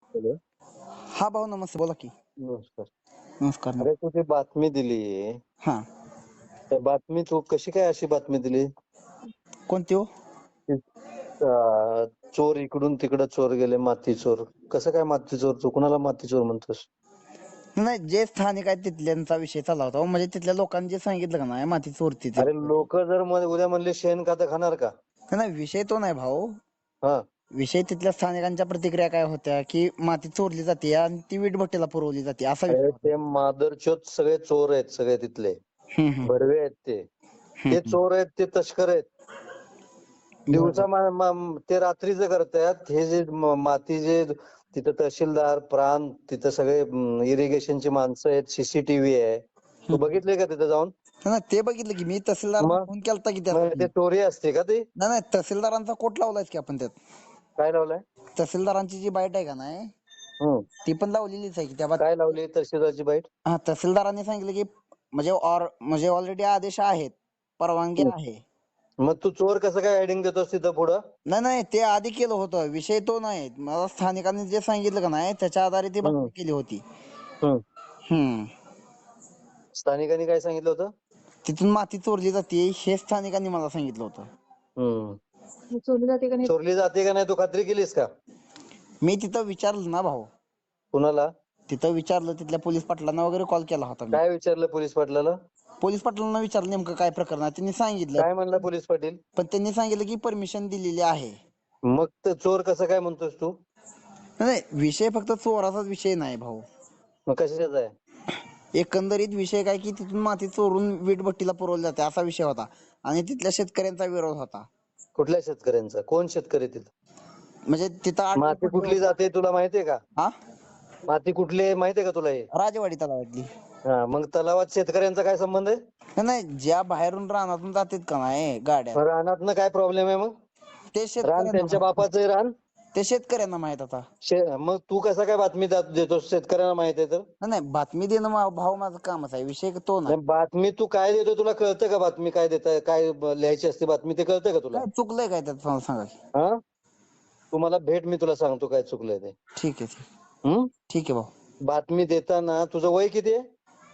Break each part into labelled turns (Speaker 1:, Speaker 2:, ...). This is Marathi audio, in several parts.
Speaker 1: हॅलो.
Speaker 2: हा भाऊ नमस्ते, बोला की.
Speaker 1: नमस्कार.
Speaker 2: नमस्कार
Speaker 1: अरे तू ती बातमी दिली,
Speaker 2: हा.
Speaker 1: त्या बातमी तू कशी काय अशी बातमी दिली?
Speaker 2: कोणती हो?
Speaker 1: की, चोर इकडून तिकडे चोर गेले, माती चोर. कसं काय माती चोर? तू कुणाला माती चोर म्हणतोस?
Speaker 2: नाही, जे स्थानिक आहेत तिथल्यांचा विषय चालला होता हो. म्हणजे तिथल्या लोकांनी जे सांगितलं का नाही माती चोरती ते.
Speaker 1: अरे लोक जर उद्या म्हणले शेण खातं खाणार का?
Speaker 2: नाही, विषय तो नाही भाऊ.
Speaker 1: हा.
Speaker 2: विषय तिथल्या स्थानिकांच्या प्रतिक्रिया काय होत्या की माती चोरली जाते आणि ती वीटभट्टीला पुरवली जाते असा विषय
Speaker 1: अरे
Speaker 2: होता.
Speaker 1: ते मादरचोद सगळे चोर आहेत, सगळे तिथले
Speaker 2: हम्म, हम्म,
Speaker 1: भडवे आहेत ते. ते
Speaker 2: हम्म,
Speaker 1: चोर आहेत, ते तस्कर आहेत. दिवसा ते रात्रीचं करतात. हे जे माती जे तिथं तहसीलदार प्रांत तिथं सगळे इरिगेशनची माणसं आहेत, सीसीटीव्ही आहे. तू बघितले का तिथं जाऊन?
Speaker 2: नाही, ते बघितलं की मी तहसीलदारांना
Speaker 1: मग
Speaker 2: फोन केलता की
Speaker 1: मग
Speaker 2: त्यासाठी.
Speaker 1: ते चोरी असते का ती?
Speaker 2: नाही नाही, तहसीलदारांचा कोट लावलाय की आपण त्यात.
Speaker 1: काय लावलाय?
Speaker 2: तहसीलदारांची जी बाईट आहे का नाही
Speaker 1: हम्म.
Speaker 2: ती पण लावलेलीच आहे की त्या बात.
Speaker 1: काय लावली तहसीलदारची बाईट?
Speaker 2: हा, तहसीलदारांनी सांगितलं की म्हणजे ऑलरेडी आदेश आहेत, परवानगी आहे.
Speaker 1: मग तू चोर कसं काय हेडिंग देतोस तिथं पुढं?
Speaker 2: नाही नाही, ते आधी केलं होतं, विषय तो नाही. मला स्थानिकांनी जे सांगितलं का नाही त्याच्या आधारे ती बातमी केली होती.
Speaker 1: हम्म.
Speaker 2: हम्म.
Speaker 1: स्थानिकांनी काय सांगितलं होतं?
Speaker 2: तिथून माती चोरली जाते हे स्थानिकांनी मला सांगितलं होतं.
Speaker 1: चोरली जाते का नाही? चोरली जाते का नाही तू खात्री केलीस का?
Speaker 2: मी तिथं विचारलं ना भाऊ,
Speaker 1: कुणाला?
Speaker 2: तिथं विचारलं, तिथल्या पोलीस पाटलांना वगैरे कॉल केला होता मी.
Speaker 1: काय विचारलं पोलीस पाटलाला?
Speaker 2: पोलीस पाटलांना विचारलं नेमकं काय प्रकरण आहे, त्यांनी सांगितलं.
Speaker 1: काय म्हणला पोलीस पाटील?
Speaker 2: पण त्यांनी सांगितलं की परमिशन दिलेली आहे.
Speaker 1: मग ते चोर कसं काय म्हणतोस तू?
Speaker 2: नाही, विषय फक्त चोराचाच विषय नाही भाऊ.
Speaker 1: मग कशाचा आहे?
Speaker 2: एकंदरीत विषय काय की तिथून माती चोरून वीटभट्टीला पुरवली जाते असा विषय होता आणि तिथल्या शेतकऱ्यांचा विरोध होता.
Speaker 1: कुठल्या शेतकऱ्यांचा? कोण शेतकरी तिथं?
Speaker 2: म्हणजे तिथं
Speaker 1: माती कुठली जाते तुला माहितीये का?
Speaker 2: हा,
Speaker 1: माती कुठली आहे माहितीये का तुला हे?
Speaker 2: राजवाडी तलावातली.
Speaker 1: हा, मग तलावात शेतकऱ्यांचा काय संबंध आहे?
Speaker 2: नाही, ज्या बाहेरून रानातून जातात का नाही गाड्या,
Speaker 1: रानातनं काय प्रॉब्लेम आहे मग?
Speaker 2: ते
Speaker 1: रान
Speaker 2: शेतकऱ्यांना
Speaker 1: त्यांच्या
Speaker 2: माहित.
Speaker 1: बापाचं रान.
Speaker 2: ते शेतकऱ्यांना माहित आता.
Speaker 1: मग तू कसा काय बातमी देतो? शेतकऱ्यांना माहित आहे तर?
Speaker 2: नाही, बातमी देणं भाऊ माझं कामच आहे, विषय तो नाही.
Speaker 1: नाही, बातमी तू काय देतो तुला कळतं का? बातमी काय देताय, काय लिहायची असते बातमी ते कळतं का तुला?
Speaker 2: काय चुकलंय काय त्यात मला सांगा की.
Speaker 1: हा, तू मला भेट, मी तुला सांगतो काय चुकलंय ते.
Speaker 2: ठीक आहे,
Speaker 1: हम्म.
Speaker 2: ठीक आहे भाऊ.
Speaker 1: बातमी देताना तुझं वय किती आहे?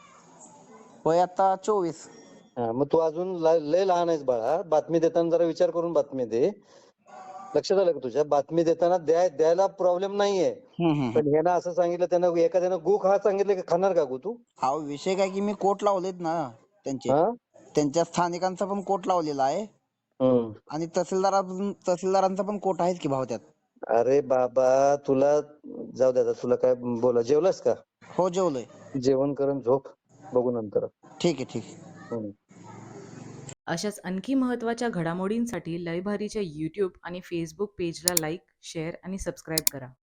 Speaker 2: वय आता 24.
Speaker 1: हा, मग तू अजून लय लहान आहेस बाळा. बातमी देताना जरा विचार करून बातमी दे. लक्षात आलं का तुझ्या? बातमी देताना द्यायला प्रॉब्लेम नाहीये, पण ह्यानं असं सांगितलं, त्यानं एखाद्यानं गु खा सांगितलं की खाणार का गु तू?
Speaker 2: हा, विषय काय की मी कोट लावलेत ना त्यांचे,
Speaker 1: हा.
Speaker 2: त्यांच्या स्थानिकांचा पण कोट लावलेला आहे
Speaker 1: हम्म.
Speaker 2: आणि तहसीलदारांचा पण कोट आहेच की भाऊ त्यात.
Speaker 1: अरे बाबा, तुला जाऊ दे आता. तुला काय बोला, जेवलास का?
Speaker 2: हो, जेवलोय.
Speaker 1: जेवण करून झोप, बघू नंतर.
Speaker 2: ठीक आहे, ठीक आहे.
Speaker 1: हम्म.
Speaker 3: अशाच आणखी महत्त्वाच्या घडामोडींसाठी लय भारीच्या यूट्यूब आणि फेसबुक पेजला लाईक, शेअर आणि सबस्क्राईब करा.